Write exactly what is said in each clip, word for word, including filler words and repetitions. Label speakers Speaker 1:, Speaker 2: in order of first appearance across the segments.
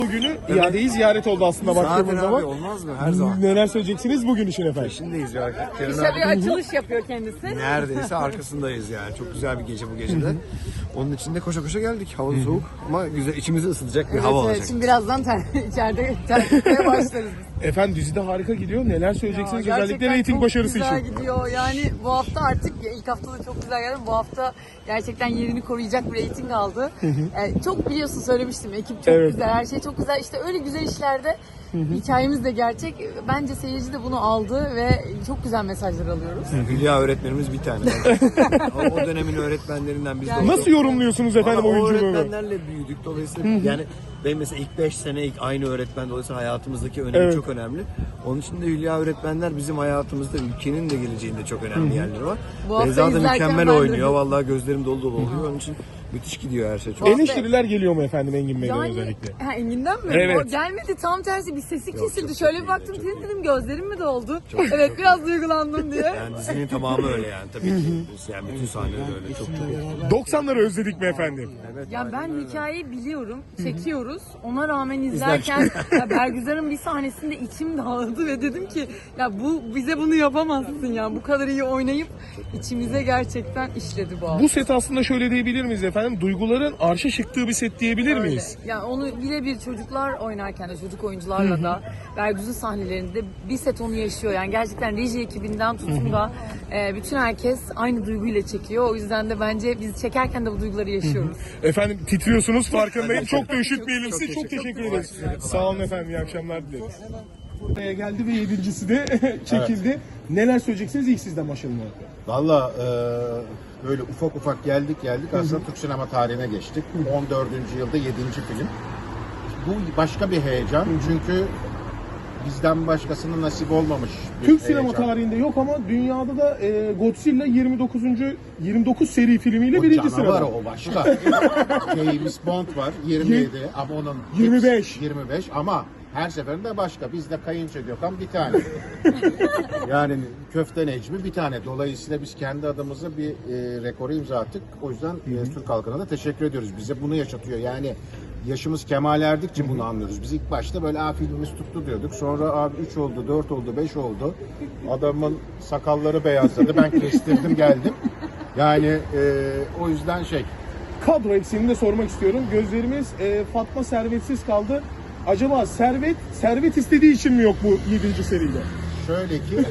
Speaker 1: Bugünü iadeyi ziyaret oldu aslında baktığımız
Speaker 2: Zaten
Speaker 1: zaman.
Speaker 2: abi olmaz mı? Her zaman.
Speaker 1: Neler söyleyeceksiniz bugün için efendim?
Speaker 2: Peşindeyiz ya. Kenan
Speaker 3: İşte bir
Speaker 2: abi
Speaker 3: açılış yapıyor kendisi.
Speaker 2: neredeyse arkasındayız yani. Çok güzel bir gece bu gecede. Onun için de koşa koşa geldik. Hava soğuk ama güzel, içimizi ısıtacak bir
Speaker 3: Evet,
Speaker 2: hava
Speaker 3: evet.
Speaker 2: olacak.
Speaker 3: Şimdi birazdan ter, içeride terletmeye başlarız biz.
Speaker 1: Efendim dizide harika gidiyor. Neler söyleyeceksiniz
Speaker 3: Ya,
Speaker 1: özellikle
Speaker 3: gerçekten
Speaker 1: reyting
Speaker 3: çok
Speaker 1: başarısı
Speaker 3: güzel
Speaker 1: için?
Speaker 3: gidiyor. Yani bu hafta artık ilk haftada çok güzel geldi. Bu hafta gerçekten yerini koruyacak bir reyting aldı. Yani çok biliyorsun söylemiştim. Ekip çok
Speaker 1: Evet.
Speaker 3: güzel. Her şey çok güzel. İşte öyle güzel işlerde hikayemiz de gerçek. Bence seyirci de bunu aldı ve çok güzel mesajlar alıyoruz.
Speaker 2: Hülya öğretmenimiz bir tane. o, o dönemin öğretmenlerinden biz de
Speaker 3: Yani-
Speaker 2: olduk.
Speaker 1: Nasıl yorumluyorsunuz efendim
Speaker 2: Vallahi o
Speaker 1: oyunculuğunu?
Speaker 2: öğretmenlerle büyüdük. Dolayısıyla yani benim mesela ilk beş sene ilk aynı öğretmen, dolayısıyla hayatımızdaki önemi
Speaker 1: Evet.
Speaker 2: çok önemli. Onun için de Hülya öğretmenler bizim hayatımızda, ülkenin de geleceğinde çok önemli yerleri var.
Speaker 3: Bu hafta
Speaker 2: Beyza da
Speaker 3: izlerken
Speaker 2: mükemmel
Speaker 3: ben de-
Speaker 2: oynuyor. Vallahi gözlerim dolu dolu oluyor. Onun için müthiş gidiyor her şey. Çok.
Speaker 1: Eleştiriler geliyor mu efendim Engin Bey'den
Speaker 3: Yani
Speaker 1: özellikle?
Speaker 3: ha, Engin'den mi?
Speaker 1: Evet.
Speaker 3: O gelmedi, tam tersi bir sesi kesildi.
Speaker 2: çok
Speaker 3: Şöyle
Speaker 2: iyiydi,
Speaker 3: bir baktım
Speaker 2: çok
Speaker 3: dedim, dedim gözlerim mi doldu? Evet, biraz duygulandım diye.
Speaker 2: Yani dizinin tamamı öyle yani tabii ki. Yani bütün sahneler öyle. Çok çok.
Speaker 1: doksanları özledik mi efendim?
Speaker 2: Evet,
Speaker 3: Ya
Speaker 2: aynen
Speaker 3: ben
Speaker 2: öyle.
Speaker 3: hikayeyi biliyorum, çekiyoruz. Ona rağmen izlerken ya Bergüzar'ın bir sahnesinde içim dağıldı ve dedim ki ya bu bize bunu yapamazsın ya. Bu kadar iyi oynayıp içimize gerçekten işledi bu hafta.
Speaker 1: Bu set aslında şöyle diyebilir miyiz efendim? Duyguların arşa çıktığı bir set diyebilir
Speaker 3: Öyle.
Speaker 1: miyiz?
Speaker 3: Yani onu birebir çocuklar oynarken de çocuk oyuncularla da Bergüzar sahnelerinde bir set onu yaşıyor. Yani gerçekten reji ekibinden tutun da e, bütün herkes aynı duyguyla çekiyor. O yüzden de bence biz çekerken de bu duyguları yaşıyoruz.
Speaker 1: Efendim titriyorsunuz farkındayım. Çok da üşütmeyelim
Speaker 2: Çok
Speaker 1: sizi. Çok
Speaker 2: teşekkür
Speaker 1: teşekkür
Speaker 2: ederim.
Speaker 1: ederiz. Sağ olun efendim. İyi akşamlar dileriz. Buraya geldi ve yedincisi de çekildi. Neler söyleyeceksiniz? İlk sizden başlayalım.
Speaker 4: Valla e, böyle ufak ufak geldik geldik aslında Türk sinema tarihine geçtik. on dördüncü yılda yedinci film. Bu başka bir heyecan çünkü bizden başkasının nasip olmamış bir
Speaker 1: Türk sinema
Speaker 4: heyecan.
Speaker 1: tarihinde yok ama dünyada da e, Godzilla yirmi dokuzuncu yirmi dokuz seri filmiyle
Speaker 4: O
Speaker 1: birinci
Speaker 4: canavar
Speaker 1: sırada.
Speaker 4: o başka. James Bond var yirmi yedi ama onun
Speaker 1: yirmi beş.
Speaker 4: yirmi beş ama her seferinde başka. Bizde Kayınço Gökhan bir tane. Yani Köfte Necmi bir tane. Dolayısıyla biz kendi adımıza bir e, rekoru imza attık. O yüzden e, Türk halkına da teşekkür ediyoruz. Bize bunu yaşatıyor. Yani yaşımız kemal erdikçe bunu anlıyoruz. Biz ilk başta böyle a filmimiz tuttu diyorduk. Sonra abi üç oldu, dört oldu, beş oldu. Adamın sakalları beyazladı. Ben kestirdim geldim. Yani e, o yüzden şey.
Speaker 1: Kadro eksiğini de sormak istiyorum. Gözlerimiz e, Fatma Servetsiz kaldı. Acaba Servet, Servet istediği için mi yok bu yedinci seride?
Speaker 4: Şöyle ki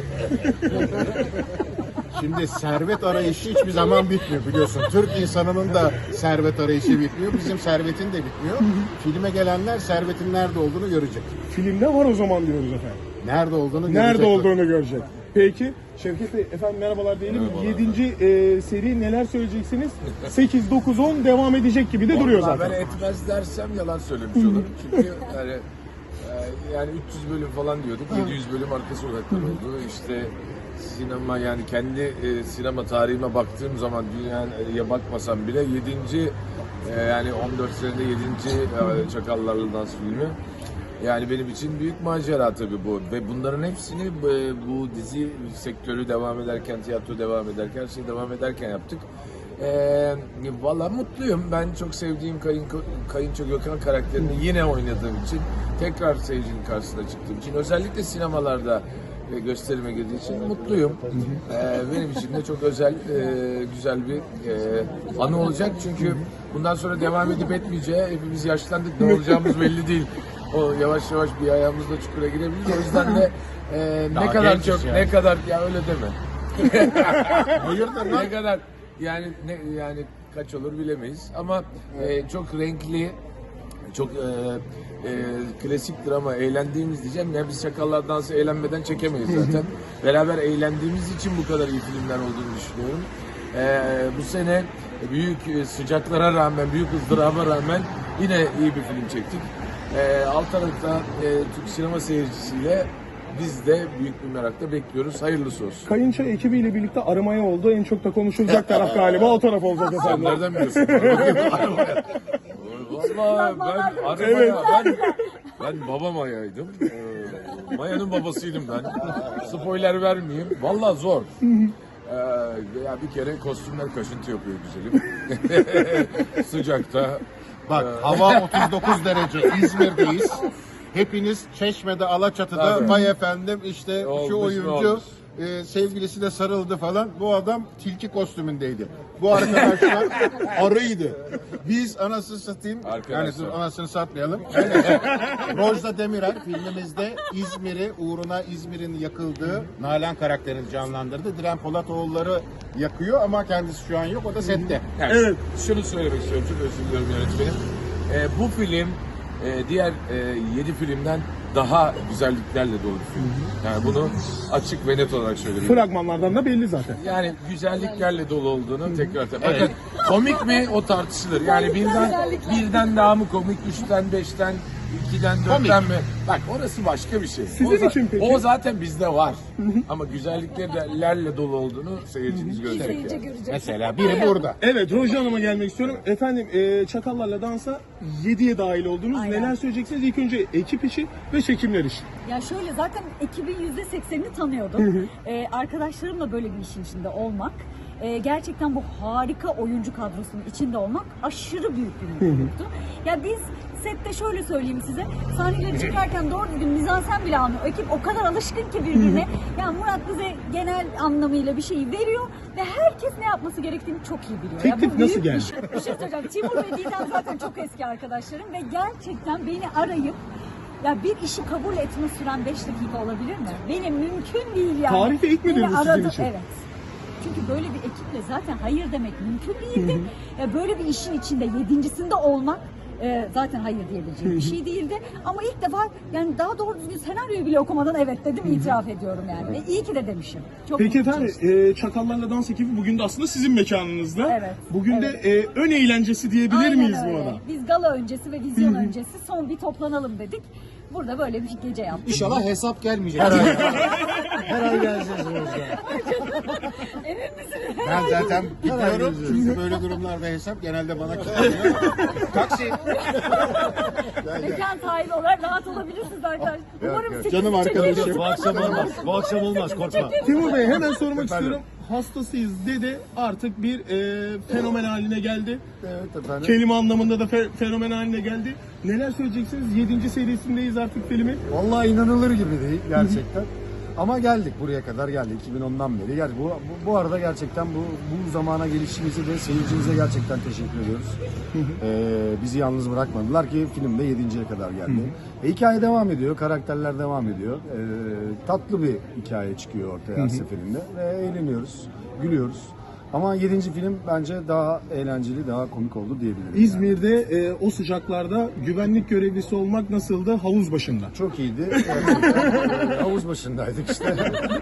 Speaker 4: şimdi servet arayışı hiçbir zaman bitmiyor biliyorsun. Türk insanının da servet arayışı bitmiyor. Bizim servetin de bitmiyor. Filme gelenler servetin nerede olduğunu görecek.
Speaker 1: Filmde var o zaman diyoruz efendim.
Speaker 4: Nerede olduğunu görecek.
Speaker 1: Nerede olduğunu görecek. Peki Şevket Bey efendim merhabalar diyelim. yedinci e, seri neler söyleyeceksiniz? sekiz, dokuz, on devam edecek gibi de duruyor
Speaker 5: Vallahi
Speaker 1: zaten.
Speaker 5: Ben etmez dersem yalan söylemiş olurum. Çünkü yani e, yani üç yüz bölüm falan diyorduk. yedi yüz bölüm arka sokaklar oldu. İşte sinema yani kendi e, sinema tarihime baktığım zaman dünyaya bakmasam bile yedinci e, yani on dört senede yedinci e, Çakallarla Dans filmi. Yani benim için büyük macera tabii bu ve bunların hepsini e, bu dizi sektörü devam ederken, tiyatro devam ederken, her şey devam ederken yaptık. Ee, Valla mutluyum. Ben çok sevdiğim Kayın, Kayınço Gökhan karakterini yine oynadığım için, tekrar seyircinin karşısına çıktığım için, özellikle sinemalarda e, gösterime girdiği için mutluyum. Ee, benim için de çok özel, e, güzel bir e, anı olacak. Çünkü bundan sonra devam edip etmeyeceği, hepimiz yaşlandık, ne olacağımız belli değil. O yavaş yavaş bir ayağımızla çukura girebiliriz. O yüzden de e, ne
Speaker 4: Daha
Speaker 5: kadar
Speaker 4: gençiz
Speaker 5: çok,
Speaker 4: yani.
Speaker 5: ne kadar, ya öyle deme.
Speaker 4: Hayırdır lan?
Speaker 5: Ne kadar yani ne yani kaç olur bilemeyiz ama e, çok renkli, çok e, e, klasiktir ama eğlendiğimiz diyeceğim ya, biz Çakallar Dansı eğlenmeden çekemeyiz zaten. Beraber eğlendiğimiz için bu kadar iyi filmler olduğunu düşünüyorum. E, bu sene büyük sıcaklara rağmen, büyük ızdıraba rağmen yine iyi bir film çektik. E, alt tarafta e, Türk sinema seyircisiyle biz de büyük bir merakla bekliyoruz. Hayırlısı olsun.
Speaker 1: Kayınço ekibiyle birlikte aramaya oldu. En çok da konuşulacak taraf galiba o taraf olacak
Speaker 5: Sen
Speaker 1: efendim.
Speaker 5: nereden biliyorsun? Arabaya. Valla ben arabaya, ben, ben baba Maya'ydım. Ee, Maya'nın babasıydım ben. Spoiler vermeyeyim. Valla zor. Ee, ya bir kere kostümler kaşıntı yapıyor güzelim. Sıcakta.
Speaker 4: Bak hava otuz dokuz derece. İzmir'deyiz. Hepiniz Çeşme'de, Alaçatı'da
Speaker 5: Tabii.
Speaker 4: vay efendim işte
Speaker 5: Olmuş
Speaker 4: şu
Speaker 5: mu
Speaker 4: oyuncu
Speaker 5: olmuş.
Speaker 4: e, sevgilisine sarıldı falan. Bu adam tilki kostümündeydi. Bu arkadaşlar arıydı. Biz anasını satayım.
Speaker 5: Arkadaşlar.
Speaker 4: Yani dur, anasını satmayalım. Rojda Demirel filmimizde İzmir'i uğruna İzmir'in yakıldığı Nalan karakterini canlandırdı. Diren Polatoğulları yakıyor ama kendisi şu an yok. O da sette.
Speaker 5: Yani
Speaker 1: Evet.
Speaker 5: Şunu söylemek istiyorum, çok özür diliyorum yönetmenim. Ee, bu film e, diğer e, yedi filmden daha güzelliklerle dolu bir film. Yani bunu açık ve net olarak söylüyorum.
Speaker 1: Fragmanlardan da belli zaten.
Speaker 5: Yani güzelliklerle dolu olduğunu tekrar tekrar. Bakın komik mi o tartışılır. Yani birden birden daha mı komik, üçten, beşten, ikiden, dörtten mi? Bak orası başka bir şey.
Speaker 1: Sizin
Speaker 5: o, za-
Speaker 1: için peki?
Speaker 5: o zaten bizde var. Ama güzelliklerle dolu olduğunu seyircimiz görecek. Yani.
Speaker 4: Mesela biri burada.
Speaker 1: Evet, Rojda Hanım'a gelmek istiyorum. Efendim, e, Çakallarla Dansa yediye dahil oldunuz.
Speaker 6: Aynen.
Speaker 1: Neler söyleyeceksiniz? İlk önce ekip işi ve çekimler işi.
Speaker 6: Ya şöyle zaten ekibin yüzde seksenini tanıyordum. Ee, arkadaşlarımla böyle bir işin içinde olmak, e, gerçekten bu harika oyuncu kadrosunun içinde olmak aşırı büyük bir mutluluktu. Ya biz sette şöyle söyleyeyim size, sahneleri çıkarken doğru düzgün mizansen bile almıyor. Ekip o kadar alışkın ki birbirine. Yani Murat bize genel anlamıyla bir şeyi veriyor ve herkes ne yapması gerektiğini çok iyi biliyor. Ya
Speaker 1: Teklif
Speaker 6: bu
Speaker 1: nasıl
Speaker 6: büyük
Speaker 1: geldi?
Speaker 6: bir şey. Bir şey söyleyeceğim. Timur ve Didem zaten çok eski arkadaşlarım ve gerçekten beni arayıp ya bir işi kabul etme süren beş dakika olabilir mi? Benim mümkün değil yani.
Speaker 1: Tarihte ilk midir
Speaker 6: Beni
Speaker 1: bu sizin
Speaker 6: aradı-
Speaker 1: için?
Speaker 6: Evet. Çünkü böyle bir ekiple zaten hayır demek mümkün değildi. Ya böyle bir işin içinde yedincisinde olmak e, zaten hayır diyebileceğim bir şey değildi. Ama ilk defa yani daha doğru düzgün senaryoyu bile okumadan evet dedim, itiraf ediyorum yani. Ve iyi ki de demişim. Çok
Speaker 1: Peki
Speaker 6: mutluyum.
Speaker 1: efendim, e, Çakallarla Dans ekibi bugün de aslında sizin mekanınızda.
Speaker 6: Evet,
Speaker 1: Bugün de e, ön eğlencesi diyebilir
Speaker 6: Aynen
Speaker 1: miyiz
Speaker 6: öyle.
Speaker 1: bu arada?
Speaker 6: Biz gala öncesi ve vizyon öncesi son bir toplanalım dedik. Burada böyle bir gece yaptık.
Speaker 4: İnşallah hesap gelmeyecek.
Speaker 2: Her ay geleceğiz Rojda.
Speaker 4: Ben zaten gidiyorum çünkü böyle durumlarda hesap genelde bana kalıyor. Taksi.
Speaker 6: Mekan sahibi olarak rahat olabilirsiniz arkadaşlar. Umarım sekiz
Speaker 4: Canım arkadaşım.
Speaker 2: Bu akşam olmaz. Bu akşam olmaz korkma.
Speaker 1: Timur Bey, hemen sormak istiyorum. Hastasıyız dedi, artık bir e, fenomen haline geldi.
Speaker 2: Evet efendim.
Speaker 1: Kelime anlamında da fe- fenomen haline geldi. Neler söyleyeceksiniz? Yedinci serisindeyiz artık filmi.
Speaker 2: Vallahi inanılır gibi değil gerçekten. Ama geldik, buraya kadar geldik iki bin ondan beri. Yani bu, bu, bu arada gerçekten bu, bu zamana gelişimize de seyircimize gerçekten teşekkür ediyoruz. Ee, bizi yalnız bırakmadılar ki film de yedinciye kadar geldi. E, hikaye devam ediyor, karakterler devam ediyor. Ee, tatlı bir hikaye çıkıyor ortaya her seferinde ve eğleniyoruz, gülüyoruz. Ama yedinci film bence daha eğlenceli, daha komik oldu diyebilirim. yani.
Speaker 1: İzmir'de e, o sıcaklarda güvenlik görevlisi olmak nasıldı havuz başında?
Speaker 2: Çok iyiydi. Gerçekten, e, havuz başındaydık işte.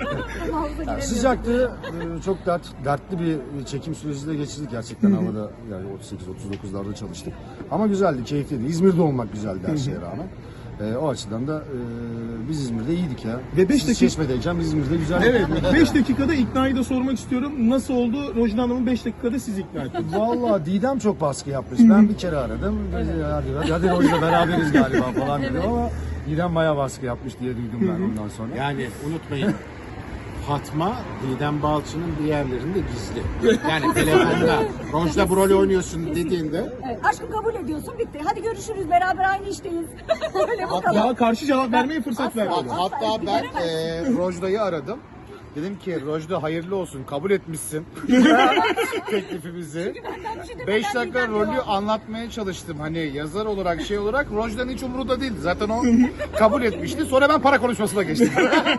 Speaker 2: Yani sıcaktı. e, Çok dert, dertli bir çekim süreci de geçirdik gerçekten havada. Yani otuz sekiz otuz dokuzlarda çalıştık. Ama güzeldi, keyifliydi. İzmir'de olmak güzeldi her şeye rağmen. E, o açıdan da e, biz İzmir'de iyiydik ya.
Speaker 1: Ve beş
Speaker 2: Siz
Speaker 1: dakika-
Speaker 2: Çeşme'deyken biz İzmir'de güzeldik.
Speaker 1: Evet, beş dakikada iknayı da sormak istiyorum. Nasıl oldu? Rojda Hanım'ın beş dakikada siz ikna ettiniz.
Speaker 2: Vallahi Didem çok baskı yapmış. Ben bir kere aradım. Dedi, hadi, hadi Rojda beraberiz galiba falan dedim ama Didem bayağı baskı yapmış diye duydum ben ondan sonra.
Speaker 4: Yani unutmayın. Fatma, Didem Balçı'nın bir yerlerinde gizli. Yani telefonda Rojda bu rolü oynuyorsun dediğinde
Speaker 6: Evet, aşkım kabul ediyorsun, bitti. Hadi görüşürüz, beraber aynı işteyiz. Öyle bu kadar.
Speaker 1: Daha karşı cevap vermeye fırsat
Speaker 6: Asla.
Speaker 1: vermedi.
Speaker 4: hatta ben e, Rojda'yı aradım. Dedim ki Rojda hayırlı olsun, kabul etmişsin teklifimizi. beş dakika rolü anlatmaya çalıştım hani yazar olarak şey olarak. Rojda'nın hiç umurunda değildi. Zaten o kabul etmişti. Sonra ben para konuşmasına geçtim.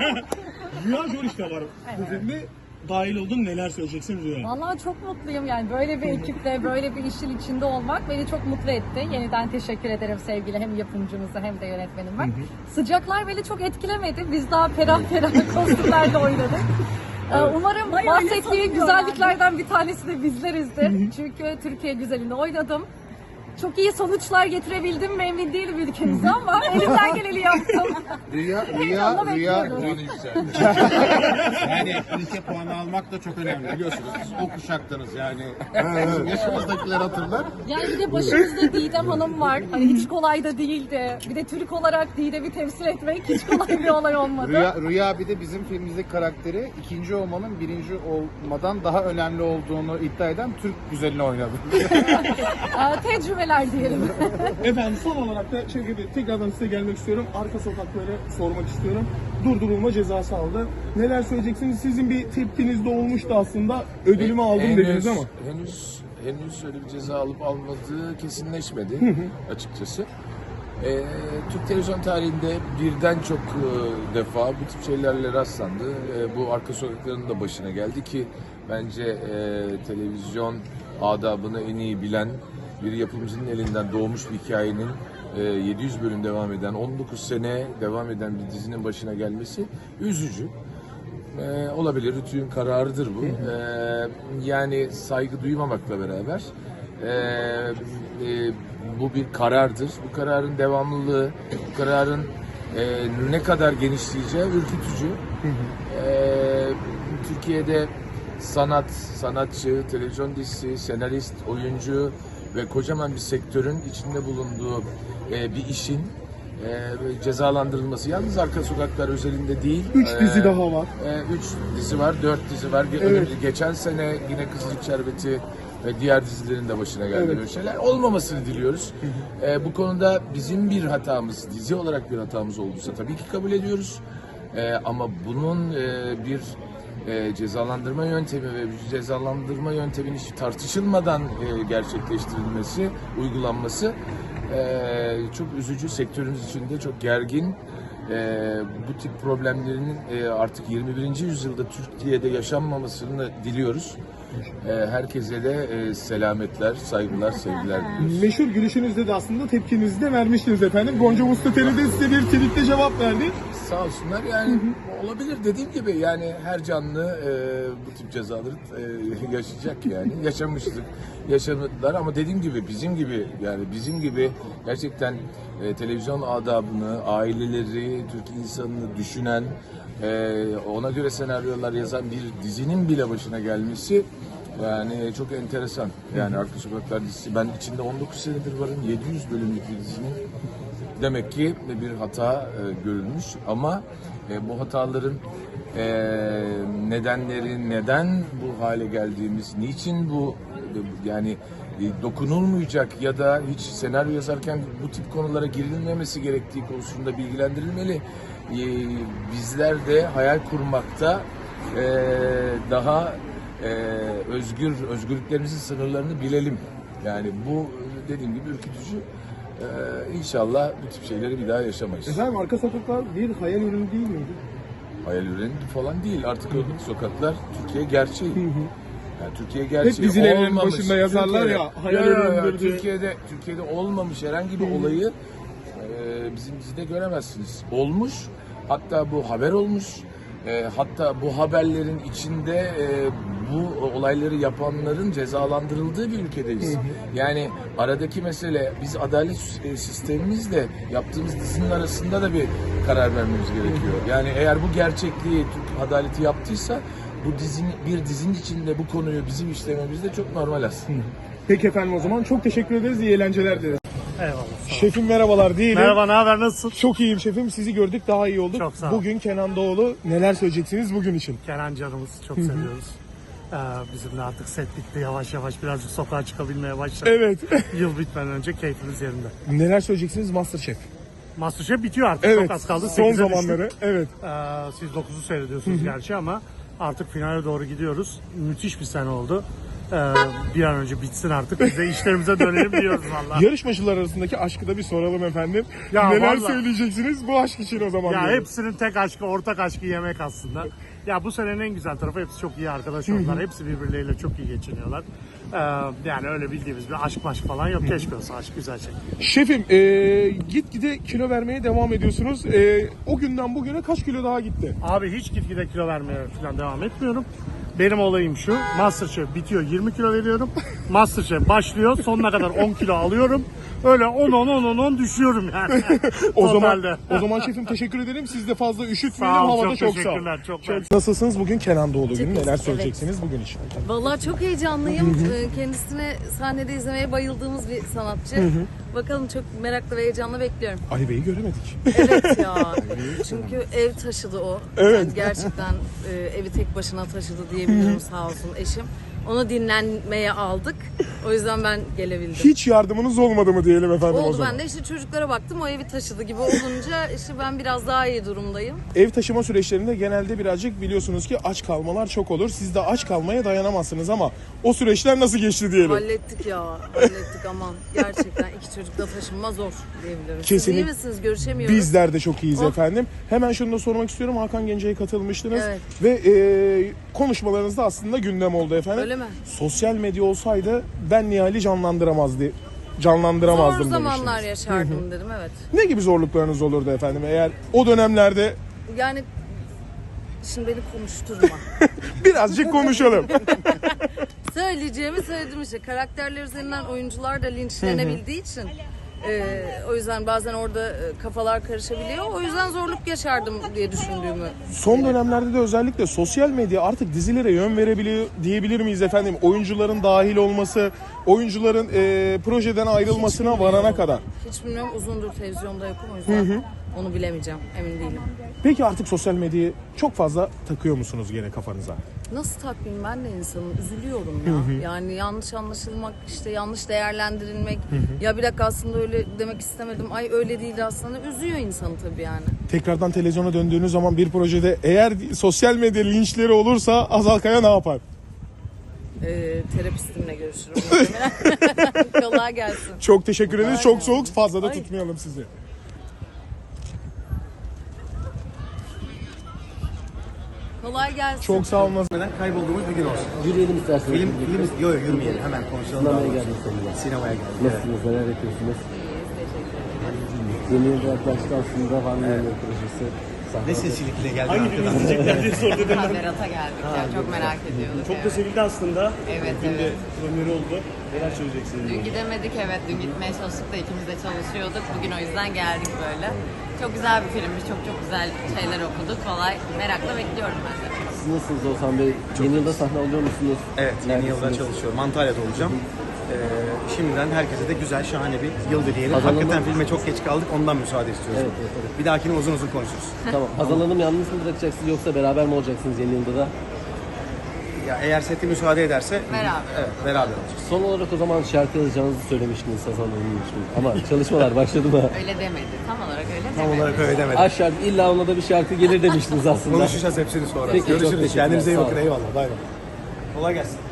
Speaker 1: Rüya Joriş de var bu filmde. Dahil oldun, neler söyleyeceksin Rüya?
Speaker 3: Vallahi çok mutluyum yani böyle bir ekiple böyle bir işin içinde olmak beni çok mutlu etti. Yeniden teşekkür ederim sevgili hem yapımcımıza hem de yönetmenime. Sıcaklar beni çok etkilemedi. Biz daha ferah ferah kostümlerde oynadık. Ee, Umarım
Speaker 6: Bayağı öyle
Speaker 3: bahsettiği
Speaker 6: sanıyor
Speaker 3: güzelliklerden bir tanesi de bizlerizdir. Çünkü Türkiye güzelinde oynadım. Çok iyi sonuçlar getirebildim mi emin değilim ülkemize ama elimden geleni yaptım.
Speaker 4: Rüya, rüya,
Speaker 3: Heyecanla
Speaker 4: rüya,
Speaker 3: bekliyorum.
Speaker 4: rüya.
Speaker 5: Puanı yükseldi.
Speaker 4: Yani ülke puanı almak da çok önemli biliyorsunuz. Siz o kuşaktanız yani. Bizim yaşımızdakiler hatırlar.
Speaker 3: Yani bir de başımızda Didem Hanım var. Hani hiç kolay da değildi. Bir de Türk olarak Didem'i temsil etmek hiç kolay bir olay olmadı.
Speaker 4: Rüya, Rüya bir de bizim filmimizdeki karakteri ikinci olmanın birinci olmadan daha önemli olduğunu iddia eden Türk güzelini oynadı.
Speaker 3: Aa, tecrübeli
Speaker 6: eğlenceler diyelim.
Speaker 1: Efendim son olarak da Şevket Bey tekrardan size gelmek istiyorum. Arka sokakları sormak istiyorum. Durdurulma cezası aldı. Neler söyleyeceksiniz? Sizin bir tepkiniz de olmuştu aslında. Ödülümü aldım
Speaker 5: Henüz-
Speaker 1: dediniz ama.
Speaker 5: Henüz henüz öyle bir ceza alıp almadığı kesinleşmedi açıkçası. Ee, Türk televizyon tarihinde birden çok e, defa bu tip şeylerle rastlandı. E, bu arka sokakların da başına geldi ki bence e, televizyon adabını en iyi bilen bir yapımcının elinden doğmuş bir hikayenin e, yedi yüz bölüm devam eden, on dokuz sene devam eden bir dizinin başına gelmesi üzücü. Ee, olabilir, Rütü'nün kararıdır bu. Ee, yani saygı duymamakla beraber e, e, bu bir karardır. Bu kararın devamlılığı, bu kararın e, ne kadar genişleyeceği ürkütücü. Ee, Türkiye'de sanat, sanatçı, televizyon dizisi, senarist, oyuncu ve kocaman bir sektörün içinde bulunduğu e, bir işin e, cezalandırılması. Yalnız Arka Sokaklar özelinde değil.
Speaker 1: Üç
Speaker 5: e,
Speaker 1: dizi daha var.
Speaker 5: e, üç dizi var, dört dizi var. Ge-
Speaker 1: Evet.
Speaker 5: Geçen sene yine Kızılcık Şerbeti ve diğer dizilerin de başına geldi
Speaker 1: Evet.
Speaker 5: böyle şeyler. Olmamasını diliyoruz. E, bu konuda bizim bir hatamız, dizi olarak bir hatamız olduysa tabii ki kabul ediyoruz. E, ama bunun e, bir e, cezalandırma yöntemi ve bir cezalandırma yönteminin hiç tartışılmadan e, gerçekleştirilmesi, uygulanması e, çok üzücü. Sektörümüz içinde çok gergin. E, bu tip problemlerin e, artık yirmi birinci yüzyılda Türkiye'de yaşanmamasını diliyoruz. E, herkese de e, selametler, saygılar, sevgiler diliyoruz.
Speaker 1: Meşhur gülüşünüzde de aslında tepkinizi de vermiştiniz efendim. Gonca Mustateli de size bir tweetle cevap verdi.
Speaker 5: Sağ olsunlar yani olabilir dediğim gibi yani her canlı e, bu tip cezaları e, yaşayacak yani yaşamıştık yaşadılar ama dediğim gibi bizim gibi yani bizim gibi gerçekten e, televizyon adabını aileleri Türk insanını düşünen e, ona göre senaryolar yazan bir dizinin bile başına gelmesi yani çok enteresan yani Arka Sokaklar dizisi ben içinde on dokuz senedir varım yedi yüz bölümlük bir dizinin. Demek ki bir hata e, görülmüş ama e, bu hataların e, nedenleri, neden bu hale geldiğimiz, niçin bu e, yani e, dokunulmayacak ya da hiç senaryo yazarken bu tip konulara girilmemesi gerektiği konusunda bilgilendirilmeli. E, bizler de hayal kurmakta e, daha e, özgür, özgürlüklerimizin sınırlarını bilelim. Yani bu dediğim gibi ürkütücü. Ee, inşallah bu tip şeyleri bir daha yaşamayız.
Speaker 1: Efendim Arka Sokaklar bir hayal ürünü değil miydi?
Speaker 5: Hayal ürünü falan değil. Artık o sokaklar Türkiye gerçeği. Yani Türkiye gerçeği.
Speaker 1: Hep dizilerin
Speaker 5: olmamış.
Speaker 1: başında yazarlar
Speaker 5: Türkiye'de-
Speaker 1: ya, hayal
Speaker 5: Ya, ya, ya,
Speaker 1: ürünüdür diye.
Speaker 5: Türkiye'de Türkiye'de olmamış herhangi bir olayı e, bizim dizide göremezsiniz. Olmuş. Hatta bu haber olmuş. E, hatta bu haberlerin içinde e, bu olayları yapanların cezalandırıldığı bir ülkedeyiz. Yani aradaki mesele biz adalet sistemimizle yaptığımız dizinin arasında da bir karar vermemiz gerekiyor. Yani eğer bu gerçekliği Türk adaleti yaptıysa bu dizinin bir dizinin içinde bu konuyu bizim işlememiz de çok normal aslında.
Speaker 1: Peki efendim o zaman çok teşekkür ederiz. İyi eğlenceler dileriz.
Speaker 7: Eyvallah. Sağ ol.
Speaker 1: Şefim merhabalar diyelim.
Speaker 7: Merhaba, ne haber, nasılsın?
Speaker 1: Çok iyiyim şefim. Sizi gördük daha iyi olduk.
Speaker 7: Çok sağ ol.
Speaker 1: Bugün Kenan Doğulu neler söyleyeceksiniz bugün için?
Speaker 7: Kenan canımız çok seviyoruz. Ee, bizim de artık set bitti, yavaş yavaş birazcık sokağa çıkabilmeye başladık.
Speaker 1: Evet.
Speaker 7: Yıl bitmeden önce keyfimiz yerinde.
Speaker 1: neler söyleyeceksiniz Masterchef?
Speaker 7: Masterchef bitiyor artık,
Speaker 1: Evet.
Speaker 7: çok az kaldı.
Speaker 1: Son
Speaker 7: sekize
Speaker 1: zamanları.
Speaker 7: düştük.
Speaker 1: Evet.
Speaker 7: Ee, siz dokuzu seyrediyorsunuz gerçi ama artık finale doğru gidiyoruz. Müthiş bir sene oldu. Ee, bir an önce bitsin artık, biz de işlerimize dönelim diyoruz valla.
Speaker 1: Yarışmacılar arasındaki aşkı da bir soralım efendim.
Speaker 7: Ya
Speaker 1: neler
Speaker 7: vallahi.
Speaker 1: söyleyeceksiniz bu aşk için o zaman?
Speaker 7: Ya
Speaker 1: diyorum.
Speaker 7: hepsinin tek aşkı, ortak aşkı yemek aslında. Ya bu senenin en güzel tarafı hepsi çok iyi arkadaş oldular. Hepsi birbirleriyle çok iyi geçiniyorlar. Ee, yani öyle bildiğimiz bir aşk maşk falan yok. Keşke olsa, aşk güzel şey.
Speaker 1: Şefim e, gitgide kilo vermeye devam ediyorsunuz. E, o günden bugüne kaç kilo daha gitti?
Speaker 7: Abi hiç gitgide kilo vermeye falan devam etmiyorum. Benim olayım şu, Masterchef bitiyor yirmi kilo veriyorum. Masterchef başlıyor, sonuna kadar on kilo alıyorum. Öyle on on on on on düşüyorum yani.
Speaker 1: O zaman
Speaker 7: Totalde.
Speaker 1: o zaman şefim teşekkür ederim. Siz de fazla üşütmeyelim.
Speaker 7: Sağ ol,
Speaker 1: Havada
Speaker 7: çok
Speaker 1: çok, sağ ol.
Speaker 7: teşekkürler, çok mersi.
Speaker 1: Nasılsınız bugün Kenan Doğulu günü? Neler
Speaker 8: evet.
Speaker 1: söyleyeceksiniz bugün için?
Speaker 8: Vallahi çok heyecanlıyım. Ee, Kendisini sahnede izlemeye bayıldığımız bir sanatçı. Bakalım, çok meraklı ve heyecanla bekliyorum.
Speaker 1: Ali Bey'i göremedik.
Speaker 8: Evet ya. Çünkü ev taşıdı o.
Speaker 1: Evet.
Speaker 8: Yani gerçekten e, evi tek başına taşıdı diyebilirim, sağ olsun eşim. Onu dinlenmeye aldık. O yüzden ben gelebildim.
Speaker 1: Hiç yardımınız olmadı mı diyelim efendim o
Speaker 8: Oldu,
Speaker 1: zaman?
Speaker 8: ben de işte çocuklara baktım, o evi taşıdı gibi olunca işte ben biraz daha iyi durumdayım.
Speaker 1: Ev taşıma süreçlerinde genelde birazcık biliyorsunuz ki aç kalmalar çok olur. Siz de aç kalmaya dayanamazsınız ama o süreçler nasıl geçti diyelim?
Speaker 8: Hallettik ya, hallettik aman. Gerçekten iki çocukla taşınma zor diyebilirim. Siz
Speaker 1: Kesinlikle.
Speaker 8: iyi misiniz? Görüşemiyoruz.
Speaker 1: Bizler de çok iyiyiz
Speaker 8: Oh.
Speaker 1: efendim. Hemen şunu da sormak istiyorum. Hakan Gence'ye katılmıştınız.
Speaker 8: Evet.
Speaker 1: Ve e, konuşmalarınızda aslında gündem oldu efendim.
Speaker 8: Öyle mi?
Speaker 1: Sosyal medya olsaydı ben Nihal'i canlandıramazdı. Canlandıramazdım
Speaker 8: Zor zamanlar
Speaker 1: demiştiniz.
Speaker 8: yaşardım dedim, evet.
Speaker 1: Ne gibi zorluklarınız olurdu efendim eğer o dönemlerde
Speaker 8: Yani şimdi beni konuşturma.
Speaker 1: birazcık konuşalım.
Speaker 8: Söyleyeceğimi söyledim işte. Karakterler üzerinden oyuncular da linçlenebildiği için e, o yüzden bazen orada e, kafalar karışabiliyor. O yüzden zorluk yaşardım diye düşündüğümü.
Speaker 1: Son dönemlerde de özellikle sosyal medya artık dizilere yön verebiliyor diyebilir miyiz efendim? Oyuncuların dahil olması, oyuncuların e, projeden ayrılmasına varana kadar.
Speaker 8: Hiç bilmiyorum, uzundur televizyonda yokum, o yüzden onu bilemeyeceğim, emin değilim.
Speaker 1: Peki artık sosyal medyayı çok fazla takıyor musunuz gene kafanıza?
Speaker 8: Nasıl takvim, ben de insanım, üzülüyorum ya. Yani yanlış anlaşılmak, işte yanlış değerlendirilmek. Ya bir dakika, aslında öyle demek istemedim. Ay öyle değildi aslında. Üzüyor insanı tabii yani.
Speaker 1: Tekrardan televizyona döndüğünüz zaman bir projede eğer sosyal medya linçleri olursa Azal Kaya ne yapar?
Speaker 8: Ee, terapistimle görüşürüm muhtemelen. Kolay gelsin.
Speaker 1: Çok teşekkür ederiz. Çok soğuk. Fazla da
Speaker 8: Ay.
Speaker 1: tutmayalım sizi.
Speaker 8: Kolay gelsin.
Speaker 1: Çok sağ olun.
Speaker 9: Kaybolduğumuz bir gün olsun.
Speaker 10: Yürüyelim isterseniz.
Speaker 9: Film, film, yok yok yürümeyelim, hemen konuşalım.
Speaker 10: Sinemaya
Speaker 9: daha
Speaker 10: geldik
Speaker 9: doğrusu.
Speaker 10: sonunda.
Speaker 9: Sinemaya geldik.
Speaker 10: Nasılsınız? Neler yapıyorsunuz? Yeni yılda yaklaştı aslında. Var mı yeni yıl projesi? Sahne.
Speaker 9: Ne seslilikle geldi
Speaker 7: Hangi
Speaker 9: arkadan?
Speaker 7: birini izleyecekler diye sordu dedim.
Speaker 11: Berat'a geldik ya, çok merak ediyorduk.
Speaker 7: Çok da sevildi aslında.
Speaker 11: Evet,
Speaker 7: Dün de
Speaker 11: evet.
Speaker 7: premieri oldu. Neler söyleyeceksiniz?
Speaker 11: Dün gidemedik, evet dün gitmeye çalıştık da ikimiz de çalışıyorduk. Bugün o yüzden geldik böyle. Çok güzel bir filmmiş, çok çok güzel şeyler okuduk. Kolay, merakla bekliyorum ben de.
Speaker 10: Siz nasılsınız Oğuzhan Bey? Yeni yılda sahne alıyor musunuz?
Speaker 9: Evet, yeni yılda
Speaker 10: Neredesiniz?
Speaker 9: çalışıyorum. Antalya'da olacağım. Ee, şimdiden herkese de güzel, şahane bir yıl dileyelim.
Speaker 10: Hazal
Speaker 9: Hakikaten
Speaker 10: Hanım-
Speaker 9: filme çok geç kaldık, ondan müsaade istiyoruz.
Speaker 10: Evet, evet, evet.
Speaker 9: Bir dahakine uzun uzun konuşuruz.
Speaker 10: Tamam. Hazal Hanım yalnız mı bırakacaksınız yoksa beraber mi olacaksınız yeni yılda da?
Speaker 9: Ya eğer seti müsaade ederse...
Speaker 11: Beraber.
Speaker 9: Evet, beraber olacağız.
Speaker 10: Son olarak o zaman şarkı yazacağınızı söylemiştiniz Hazal Hanım'ın için. Ama çalışmalar başladı mı?
Speaker 11: Öyle demedi, tam olarak öyle demedi.
Speaker 9: Tam olarak öyle demedim.
Speaker 10: Aşk şarkı, illa ona da bir şarkı gelir demiştiniz aslında.
Speaker 9: Konuşacağız hepsini sonra.
Speaker 10: Peki, çok
Speaker 9: Görüşürüz.
Speaker 10: teşekkürler.
Speaker 9: Kendinize iyi
Speaker 10: Sağ
Speaker 9: bakın.
Speaker 10: olun.
Speaker 9: Eyvallah. Bay bay. Kolay gelsin.